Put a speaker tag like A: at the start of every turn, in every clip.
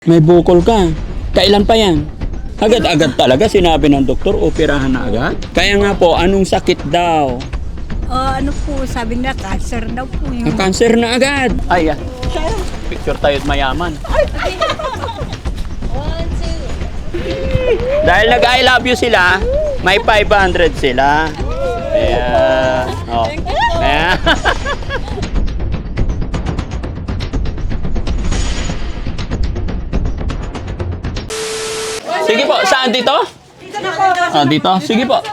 A: May bukol ka. Kailan pa yan? Agad-agad talaga sinabi ng doktor, operahan na agad? Kaya nga po, anong sakit daw?
B: Ano po, sabi nila, cancer daw po yung...
A: Cancer na agad. Ay, picture tayo't mayaman. Dahil nag-I love you sila, may 500 sila. Ayan. Oh. Ayan. Sige po, saan dito?
B: Dito na po.
A: Ah, dito? Sige po.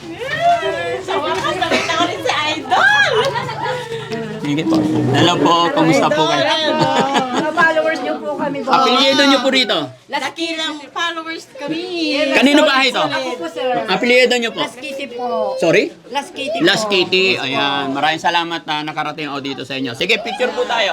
A: Sige po. Hello po, kamusta po kayo?
B: Mga followers niyo po kami.
A: Apelyido niyo po rito.
B: Lakilang followers kami.
A: Kanino bahay ito?
B: Ako po, sir.
A: Apelyido niyo po.
B: Las Kitty po.
A: Sorry?
B: Las Kitty po.
A: Las Kitty. Ayan. Maraming salamat na nakarating ako dito sa inyo. Sige, picture po tayo.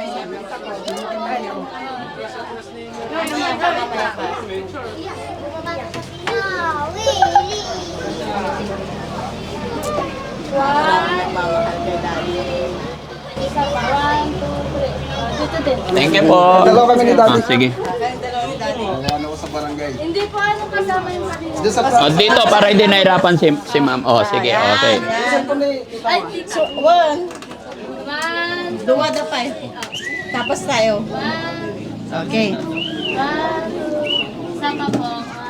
A: Thank you po.
C: Dalawa kami ni Daddy.
A: Sige.
C: Ano ko sa barangay.
D: Hindi po ano kasama yung kanina.
C: Dito sa
A: O, dito para hindi nahirapan si ma'am. O, sige. Okay.
D: Ay, dito.
B: One.
D: One,
B: Duwa da pa. Tapos tayo. Okay.
D: one, sama po.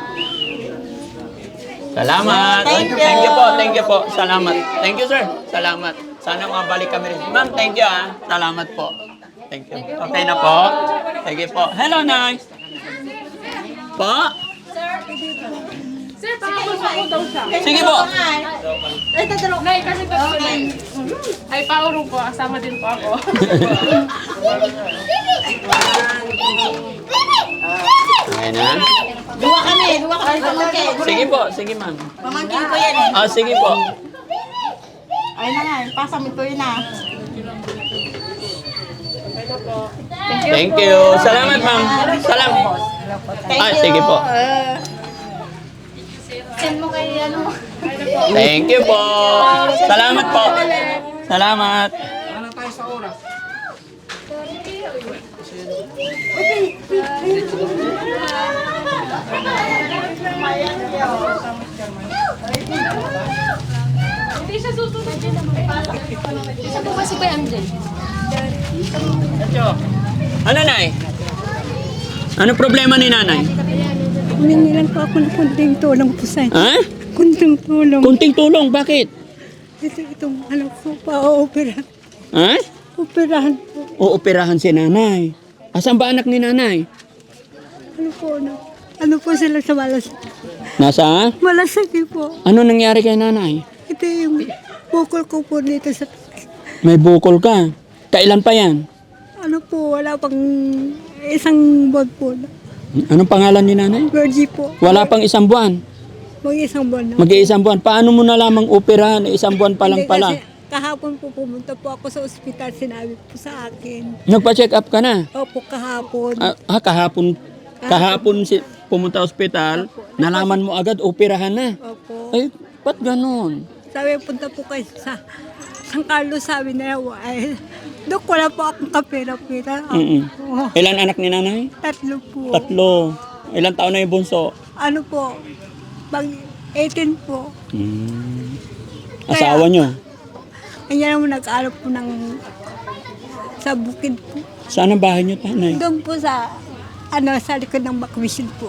A: Salamat.
B: Thank you.
A: Thank you po. Thank you po. Salamat. Thank you, sir. Salamat. Sana mabalik kami rin. Ma'am, thank you ah. Salamat po. Thank you. Okay na po. Thank you po. Hello, Nay. Po?
D: Sir, pakapasok ko daw siya.
A: Sige po.
B: Ay, tatalo.
D: Nay, kasi pag ay paurong po, kasama din po ako.
A: Okay na.
B: Duwa kami pamangkin.
A: Sige po. Sige, ma'am.
B: Pamangkin ko yan eh.
A: Ah, sige po.
B: Ay na nga, pasang ito yun ah.
A: Thank you. Salamat, ma'am. Salamat. Ah, sige po.
D: Send mo kay ano.
A: Thank you po. Salamat po. Salamat.
D: Hindi siya susunod din naman. Isa po kasi ba yan dyan?
A: Ano, Nay? Ano problema ni Nanay?
B: Humingi lang po ako ng kunting tulong po sa inyo.
A: Ha?
B: Kunting tulong.
A: Kunting tulong. Bakit?
B: Itong ano po, pa-operahan.
A: Ha?
B: Operahan po.
A: Ooperahan si Nanay. Asan ba anak ni Nanay?
B: Ano po, ano po sila sa malasakit.
A: Nasa?
B: Malasakit po.
A: Ano nangyari kay Nanay?
B: Ito yung bukol ko po dito sa...
A: May bukol ka. Kailan pa yan?
B: Ano po, wala pang isang buwan po.
A: Anong pangalan ni Nanay?
B: Virgie po.
A: Wala pang isang buwan.
B: Mag-isang buwan na.
A: Mag-iisang buwan. Paano mo nalamang operahan? Isang buwan pa lang
B: Hindi,
A: pala.
B: kasi kahapon po pumunta po ako sa ospital, sinabi po sa akin.
A: Nagpa-check up ka na?
B: Opo, kahapon.
A: Kahapon. Kahapon pumunta ospital, nalaman mo agad, operahan na.
B: Opo.
A: Ay, ba't ganon?
B: Sabi, punta po kayo sa San Carlos, sabi na ay, Dok, wala po akong kapera-pera.
A: Mm-mm.
B: Oh,
A: Ilan anak ni Nanay?
B: 3 po.
A: 3. Ilan taon na yung bunso?
B: Ano po, pag 18 po.
A: Asawa nyo?
B: Kanya naman nag-aaral po ng sa bukid po.
A: Saan ang bahay nyo, Tanay?
B: Doon po sa, sa likod ng bakwisyon po.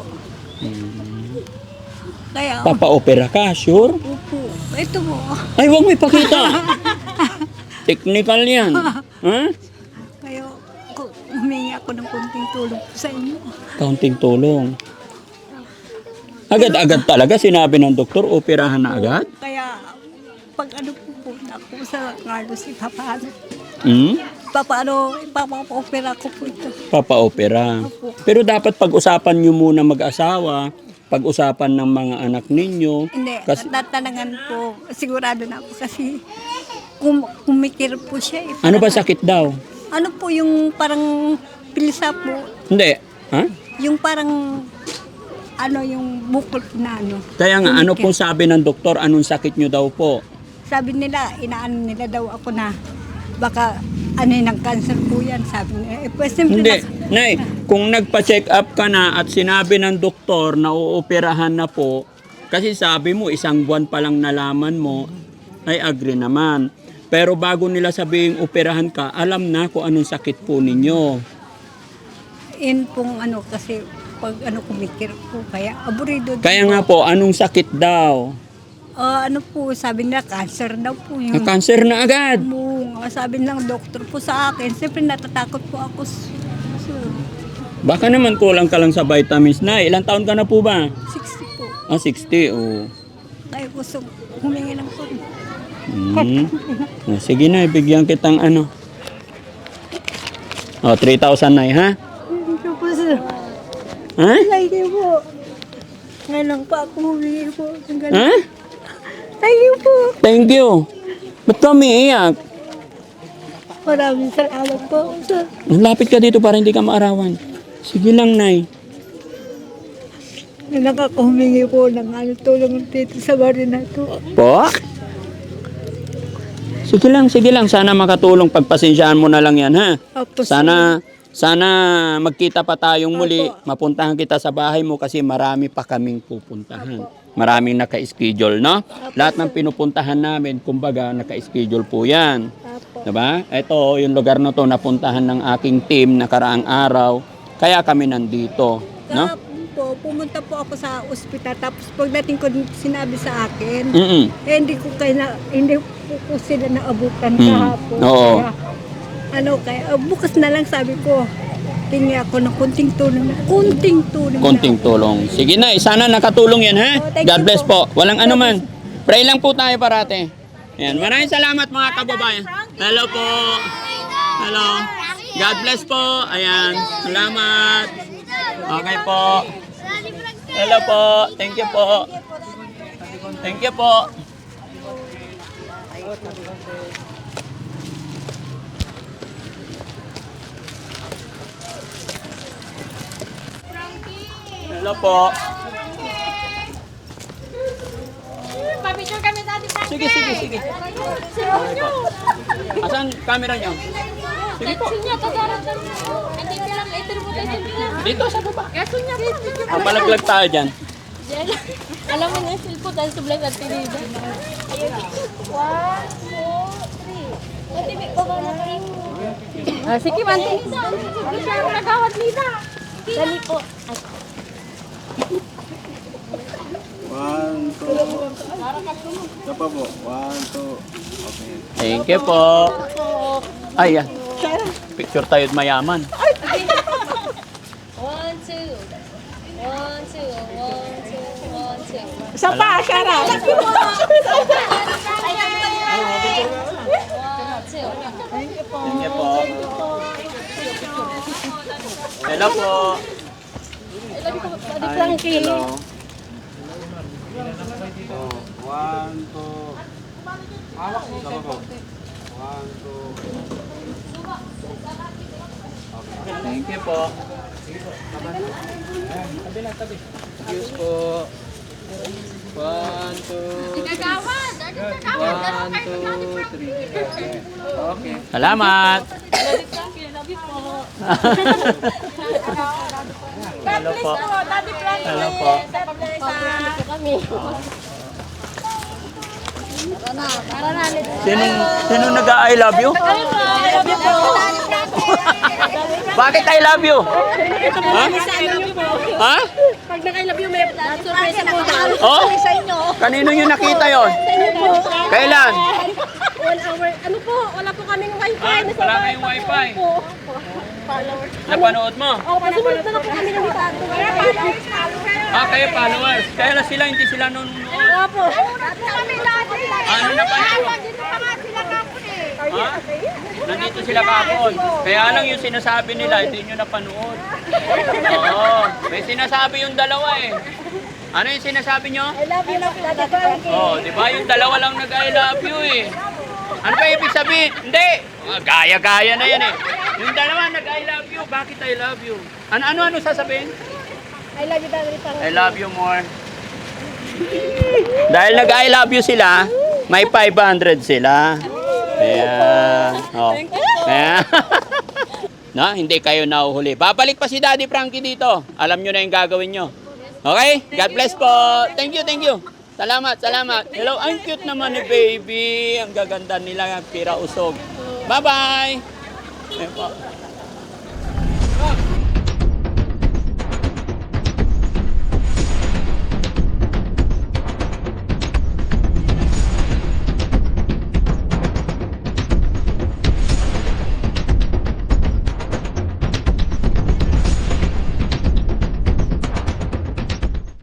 B: Kaya,
A: Papa-opera ka, sure?
B: opo, ito po.
A: Ay, huwag mo ipakita. Technical yan. Ha?
B: Kaya, humingi ako ng konting tulong po sa inyo.
A: Kaunting tulong. Agad-agad talaga sinabi ng doktor, operahan na agad?
B: Kaya, pag ano po punta ako sa Carlos, ipapaano.
A: Hmm?
B: Ipapa-opera ko po ito.
A: Papa-opera. Pero dapat pag-usapan nyo muna mag-asawa, pag-usapan ng mga anak ninyo.
B: Hindi,
A: Kasi,
B: tatanangan po, sigurado na ako kasi kumikir po siya. Eh.
A: ano ba sakit daw?
B: Ano po yung parang pilsa po,
A: Hindi. Ha?
B: yung parang yung bukol po na ano.
A: Kaya nga, ano pong sabi ng doktor, anong sakit nyo daw po?
B: Sabi nila, inaano nila daw ako na baka ano yung cancer po yan, sabi nila. Eh, pues, siyempre
A: Hindi.
B: na-
A: Nay, kung nagpa-check up ka na at sinabi ng doktor na uoperahan na po, kasi sabi mo, 1 buwan pa lang nalaman mo, ay agree naman. Pero bago nila sabihing operahan ka, alam na kung anong sakit po ninyo.
B: Yun pong kasi pag kumikir po, kaya aburido.
A: Kaya nga po, anong sakit daw?
B: Po, sabi nila, cancer daw po
A: Na
B: yung
A: cancer na agad.
B: sabi ng doktor po sa akin. Siyempre natatakot po ako.
A: Baka naman kulang ka lang sa vitamins na. Ilang taon ka na po ba?
B: 60 po.
A: 60, oh.
B: Kaya gusto humingi ng po.
A: Sige na, ibigyan kitang 3,000 na ha?
B: Thank you po, sir.
A: Ha?
B: Thank you po. Ngayon lang pa ako humingi po.
A: Ha?
B: Thank you po.
A: Thank you. Ba't ka umiiyak?
B: Maraming salamat po, sir.
A: Lapit ka dito para hindi ka maarawan. Sige lang, Nay.
B: Nakakahumingi po ng tulong dito sa barin na to.
A: Po? Sige lang. Sana makatulong. Pagpasensyaan mo na lang yan, ha?
B: Opo,
A: Sana magkita pa tayong muli. Mapuntahan kita sa bahay mo kasi marami pa kaming pupuntahan. Maraming naka-schedule, no? Lahat ng pinupuntahan namin, kumbaga, naka-schedule po yan. Diba? Ito, yung lugar na to, napuntahan ng aking team nakaraang araw. Kaya kami nandito, no?
B: Kahapon po, pumunta po ako sa ospital. Tapos pagdating ko, sinabi sa akin, hindi po sila naabutan kahapon.
A: Oo.
B: Kaya bukas na lang sabi ko, tingi ako ng kunting tulong.
A: Konting tulong. Sige na, sana nakatulong yan, ha?
B: Thank
A: God
B: you
A: bless
B: po.
A: po. Walang anuman. Pray lang po tayo parate. Ayan. Maraming salamat mga kababayan. Hello po. Hello. God bless po. Ayan. Salamat. Okay po. Hello po. Thank you po. Thank you po. Hello po.
D: Papicture kami dati sa
A: Sige. Asan camera niyo? Sige po.
D: Sunya to daratan. Hindi ka lang ito mo tayo sila.
A: Dito sa baba.
D: Sunya po.
A: Palaglag tayo dyan.
D: Alam mo na yung silpo dahil sa vlog at tinida. Ayun. 1, 2, 3. O, tibi ko ba na kayo?
B: Sige, Manti.
D: Siya nagawad nila. Dali po. Ay.
C: 1, 2. Sapa po. 1, 2. Okay.
A: Thank you po. Ayan. Picture tayo at mayaman.
D: 1, 2. 1, 2. 1, 2. 1, 2.
B: Isa pa, Shara.
A: Thank you po. Hello po. Hi. Hello.
C: 1, 2. Sapa po. 1, 2.
A: Thank you po.
C: Excuse po. 1, 2.
D: Gagawad.
C: 1, 2, 3. Okay.
A: Salamat. Hello po. Hello po. Sino nag-I love you? Bakit I love you? Ha? Ha?
D: Pag naka-love you, may surprise po daw.
A: Oh?
D: Sa inyo.
A: Kanino nyo nakita yon? Kailan?
D: 1 hour. Ano po? Wala po kaming wifi.
A: Ah, wala kayong wifi. Napanood mo?
D: Sumunod na po kami ng dito.
A: Ah, kayo followers. Kaya lang sila, hindi sila nanonood.
D: Opo. Kami lahat.
A: Ano na pa nyo?
D: Dito pa nga sila kapon eh.
A: Ha? Nandito sila kapon. Kaya lang yung sinasabi nila, hindi nyo napanood. Oo. May sinasabi yung dalawa eh. Ano yung sinasabi nyo?
D: I love you, Daddy Frankie.
A: Oh, di ba yung dalawa lang nag-I love you eh. Ano ba ibig sabihin? Hindi. Gaya-gaya na yan eh. Yung dalawa nag-I love you. Bakit I love you? Ano sasabihin?
D: I love you, Daddy Frankie.
A: I love you more. Dahil nag-I love you sila, may 500 sila. Ayan. Oh. Ayan. Na, hindi kayo nahuhuli. Babalik pa si Daddy Frankie dito. Alam nyo na yung gagawin nyo. Okay? God bless po. Thank you, thank you. Salamat, salamat. Hello, ang cute naman ni baby. Ang gaganda nila, pira usog. Bye-bye. Ayan po.